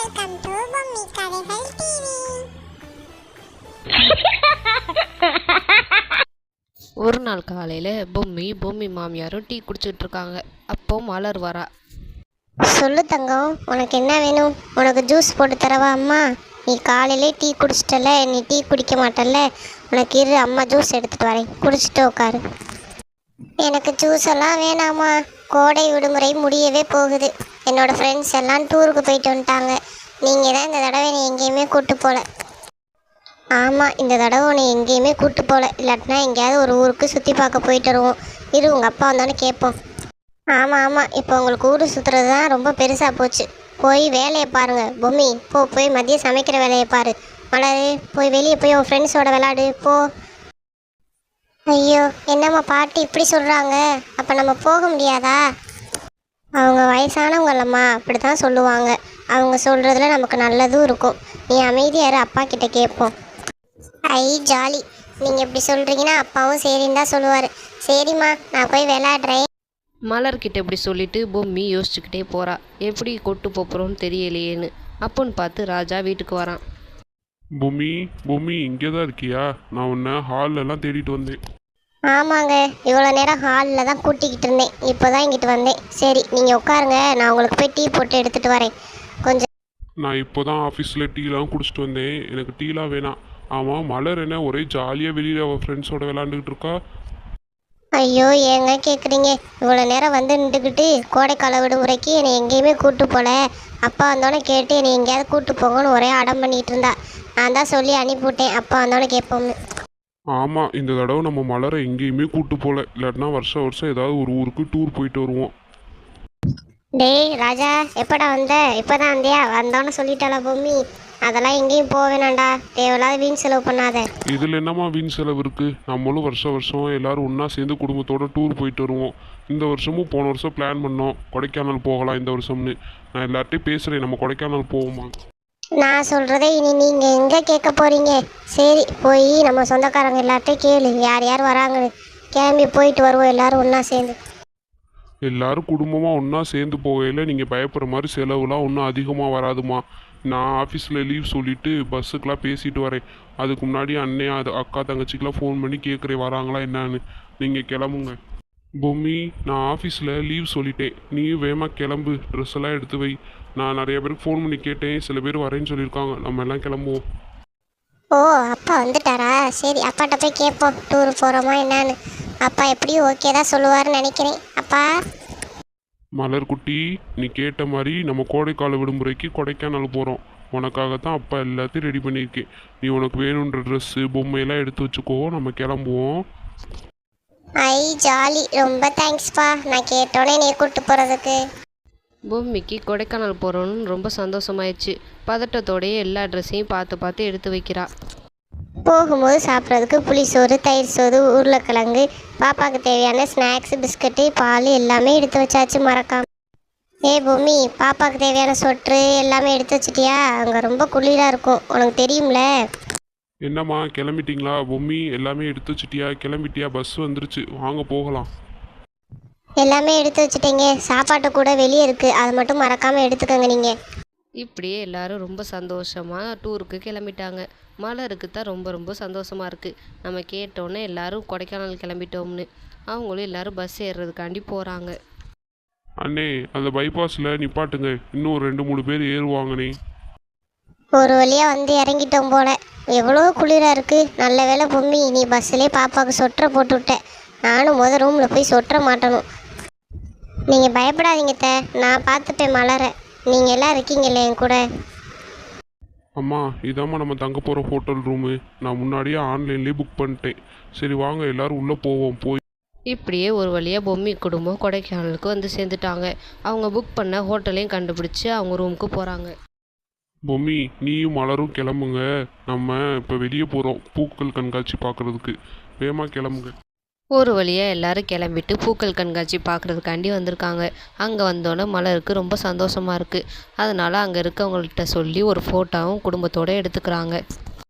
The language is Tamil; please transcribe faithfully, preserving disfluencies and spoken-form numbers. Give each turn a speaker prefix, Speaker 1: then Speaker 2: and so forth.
Speaker 1: வெல்கம் டு பொம்மி கதைகள் டிவி.
Speaker 2: ஒரு நாள் காலையில் பொம்மி பொம்மி மாமியாரும் டீ குடிச்சிட்டு இருக்காங்க. அப்போ மலர் வரா.
Speaker 1: சொல்லு தங்கம், உனக்கு என்ன வேணும்? உனக்கு ஜூஸ் போட்டு தரவா அம்மா? நீ காலையிலே டீ குடிச்சிட்டல, நீ டீ குடிக்க மாட்டல்ல, உனக்கு இரு அம்மா ஜூஸ் எடுத்துட்டு வரேன், குடிச்சிட்டு உட்காரு. எனக்கு ஜூஸ் எல்லாம் வேணாமா, கோடை விடுமுறை முடியவே போகுது. என்னோட ஃப்ரெண்ட்ஸ் எல்லாம் டூருக்கு போயிட்டு வந்துட்டாங்க. நீங்கள் தான் இந்த தடவை என்னை எங்கேயுமே கூப்பிட்டு போகல. ஆமாம், இந்த தடவை உன்னை எங்கேயுமே கூப்பிட்டு போகல. இல்லாட்டினா எங்கேயாவது ஒரு ஊருக்கு சுற்றி பார்க்க போயிட்டு வருவோம். இரு உங்கள் அப்பா வந்தோன்னு கேட்போம். ஆமாம் ஆமாம், இப்போ உங்களுக்கு ஊர் சுற்றுறது தான் ரொம்ப பெருசாக போச்சு. போய் வேலையை பாருங்கள். பொம்மி போ, போய் மதியம் சமைக்கிற வேலையை பாரு. மலரு போய் வெளியே போய் உன் ஃப்ரெண்ட்ஸோட விளாடு போ. ஐயோ, என்னம்மா பாட்டி இப்படி சொல்கிறாங்க? அப்போ நம்ம போக முடியாதா? அவங்க வயசானவங்களம்மா, அப்படி தான் சொல்லுவாங்க. அவங்க சொல்கிறதுல நமக்கு நல்லதும் இருக்கும். நீ அமைதியாரு, அப்பா கிட்ட கேட்போம். ஐ ஜாலி, நீங்கள் இப்படி சொல்கிறீங்கன்னா அப்பாவும் சரின்னு தான் சொல்லுவார். சரிம்மா, நான் போய் விளையாடுறேன்.
Speaker 2: மலர்கிட்ட இப்படி சொல்லிட்டு பொம்மி யோசிச்சுக்கிட்டே போகிறா. எப்படி கொட்டு போப்புறோன்னு தெரியலையேன்னு. அப்போன்னு பார்த்து ராஜா வீட்டுக்கு வரான்.
Speaker 3: பொம்மி பொம்மி இங்கே தான் இருக்கியா? நான் உன்னை ஹால்லலாம் தேடிட்டு வந்தேன்.
Speaker 1: ஆமாங்க, இவ்வளோ நேரம் ஹாலில் தான் கூட்டிக்கிட்டு இருந்தேன். இப்போ தான் இங்கிட்டு வந்தேன். சரி நீங்கள் உட்காருங்க, நான் உங்களுக்கு போய் டீ போட்டு எடுத்துகிட்டு வரேன். கொஞ்சம்
Speaker 3: நான் இப்போ தான் ஆஃபீஸில் டீலாம் குடிச்சிட்டு வந்தேன். எனக்கு டீலாம் வேணாம். ஆமாம், மலர் என்ன ஒரே ஜாலியாக வெளியில் அவள் ஃப்ரெண்ட்ஸோட விளாண்டுக்கிட்டு இருக்கா?
Speaker 1: ஐயோ, ஏங்க கேட்குறீங்க? இவ்வளோ நேரம் வந்து நின்றுக்கிட்டு கோடைக்கால விடுமுறைக்கு என்னை எங்கேயுமே கூப்பிட்டு போகல. அப்பா வந்தோடனே கேட்டு என்னை எங்கேயாவது கூப்பிட்டு போங்கன்னு ஒரே அடம் பண்ணிகிட்டு இருந்தா. நான் தான் சொல்லி அனுப்பிவிட்டேன், அப்பா வந்தோடனே கேட்போம்னு.
Speaker 3: ஆமாம், இந்த தடவை நம்ம மலரை எங்கேயுமே கூப்பிட்டு போகல. இல்லாட்டினா வருஷம் வருஷம் ஏதாவது ஒரு ஊருக்கு டூர் போயிட்டு வருவோம்.
Speaker 1: டேய் ராஜா, எப்படா வந்த? இப்போ தான் வந்தியா? வந்தோன்னு சொல்லிட்டாளா பொம்மி? அதெல்லாம் எங்கேயும் போக வேணாண்டா, தேவையில்லாத வீண் செலவு பண்ணாத.
Speaker 3: இதில் என்னம்மா வீண் செலவு இருக்குது? நம்மளும் வருஷம் வருஷம் எல்லோரும் ஒன்றா சேர்ந்து குடும்பத்தோடு டூர் போயிட்டு வருவோம். இந்த வருஷமும் போன வருஷம் பிளான் பண்ணோம் கொடைக்கானல் போகலாம் இந்த வருஷம்னு. நான் எல்லார்ட்டையும் பேசுகிறேன், நம்ம கொடைக்கானல் போவோமா?
Speaker 1: நான் சொல்கிறத இனி நீங்கள் எங்கே கேட்க போகிறீங்க? சரி, போய் நம்ம சொந்தக்காரங்க எல்லார்ட்டையும் கேளு, யார் யார் வராங்கன்னு. கிளம்பி போயிட்டு வருவோம் எல்லோரும் ஒன்றா சேர்ந்து.
Speaker 3: எல்லாரும் குடும்பமாக ஒன்றா சேர்ந்து போகையில் நீங்கள் பயப்படுற மாதிரி செலவுலாம் ஒன்றும் அதிகமாக வராதுமா. நான் ஆஃபீஸில் லீவ் சொல்லிவிட்டு பஸ்ஸுக்கெலாம் பேசிட்டு வரேன். அதுக்கு முன்னாடி அண்ணே அது அக்கா தங்கச்சிக்கெலாம் ஃபோன் பண்ணி கேட்குறேன் வராங்களா என்னான்னு. நீங்கள் கிளம்புங்க. பொம்மி, நான் ஆஃபீஸில் லீவ் சொல்லிட்டேன். நீயும் வேகமாக கிளம்பு, ட்ரெஸ் எல்லாம் எடுத்து வை. நான் நிறைய பேருக்கு ஃபோன் பண்ணி கேட்டேன், சில பேர் வரேன்னு சொல்லியிருக்காங்க. நம்ம எல்லாம் கிளம்புவோம்.
Speaker 1: ஓ, அப்பா வந்துட்டாரா? சரி, அப்பாட்ட போய் கேட்போம் டூர் போகிறோமா என்னான்னு. அப்பா எப்படியும் ஓகே தான் சொல்லுவார்னு நினைக்கிறேன். அப்பா
Speaker 3: மலர் குட்டி, நீ கேட்ட மாதிரி நம்ம கோடைக்கால விடுமுறைக்கு கொடைக்கானல் போகிறோம். உனக்காகத்தான் அப்பா எல்லாத்தையும் ரெடி பண்ணியிருக்கேன். நீ உனக்கு வேணுன்ற ட்ரெஸ்ஸு பொம்மையெல்லாம் எடுத்து வச்சுக்கோ, நம்ம கிளம்புவோம்.
Speaker 1: ஐ ஜாலி, ரொம்ப தேங்க்ஸ்ப்பா, நான் கேட்டோன்னே நீ கூப்பிட்டு போகிறதுக்கு.
Speaker 2: பொம்மிக்கு கொடைக்கானல் போகிறோன்னு ரொம்ப சந்தோஷமாயிடுச்சு. பதட்டத்தோடையே எல்லா ட்ரெஸ்ஸையும் பார்த்து பார்த்து எடுத்து வைக்கிறா.
Speaker 1: போகும்போது சாப்பிட்றதுக்கு புளிசோறு, தயிர் சோறு, உருளைக்கிழங்கு, பாப்பாவுக்கு தேவையான ஸ்நாக்ஸ், பிஸ்கட்டு, பால் எல்லாமே எடுத்து வச்சாச்சு மறக்காம. ஏ பொம்மி, பாப்பாவுக்கு தேவையான சொட்ரு எல்லாமே எடுத்து வச்சிட்டியா? அங்கே ரொம்ப குளிராக இருக்கும், உனக்கு தெரியும்ல.
Speaker 3: என்னம்மா கிளம்பிட்டீங்களா? பொம்மி எல்லாமே எடுத்து வச்சிட்டியா? கிளம்பிட்டியா? பஸ் வந்துருச்சு, வாங்க போகலாம்.
Speaker 1: எல்லாமே எடுத்து வச்சுட்டீங்க. சாப்பாட்டு கூட வெளியே இருக்குது, அதை மட்டும் மறக்காமல் எடுத்துக்கோங்க நீங்கள்.
Speaker 2: இப்படியே எல்லாரும் ரொம்ப சந்தோஷமாக டூருக்கு கிளம்பிட்டாங்க. மலருக்கு தான் ரொம்ப ரொம்ப சந்தோஷமாக இருக்குது. நம்ம கேட்டோன்னே எல்லாரும் கொடைக்கானல் கிளம்பிட்டோம்னு. அவங்களும் எல்லாரும் பஸ் ஏறுறதுக்காண்டி போகிறாங்க.
Speaker 3: அண்ணே, அந்த பைபாஸில் நிப்பாட்டுங்க, இன்னும் ஒரு ரெண்டு மூணு பேர் ஏறுவாங்கண்ணே.
Speaker 1: ஒரு வழியாக வந்து இறங்கிட்டோம் போல. எவ்வளோ குளிராக இருக்குது. நல்ல வேளை பொம்மி, நீ பஸ்ஸிலே பாப்பாவுக்கு சொட்டரை போட்டு விட்ட. நானும் முதல் ரூமில் போய் சொட்டரை மாட்டணும். நீங்கள் பயப்படாதீங்க த, நான் பார்த்துப்பேன் மலரை. நீங்கள் எல்லாம் இருக்கீங்களே என் கூட.
Speaker 3: அம்மா, இதாம்மா நம்ம தங்க போகிற ஹோட்டல் ரூமு. நான் முன்னாடியே ஆன்லைன்லேயே புக் பண்ணிட்டேன். சரி வாங்க எல்லோரும் உள்ளே போவோம். போய்
Speaker 2: இப்படியே ஒரு வழியாக பொம்மி குடும்பம் கொடைக்கானலுக்கு வந்து சேர்ந்துட்டாங்க. அவங்க புக் பண்ண ஹோட்டலையும் கண்டுபிடிச்சி அவங்க ரூமுக்கு போகிறாங்க.
Speaker 3: பொம்மி, நீயும் மலரும் கிளம்புங்க. நம்ம இப்போ வெளியே போகிறோம் பூக்கள் கண்காட்சி பார்க்குறதுக்கு. வேகமாக கிளம்புங்க.
Speaker 2: ஒரு வழியாக எல்லாரும் கிளம்பிட்டு பூக்கள் கண்காட்சி பார்க்குறதுக்காண்டி வந்திருக்காங்க. அங்கே வந்தோடனே மலருக்கு ரொம்ப சந்தோஷமாக இருக்குது. அதனால் அங்கே இருக்கவங்கள்ட்ட சொல்லி ஒரு ஃபோட்டோவும் குடும்பத்தோடு எடுத்துக்கிறாங்க.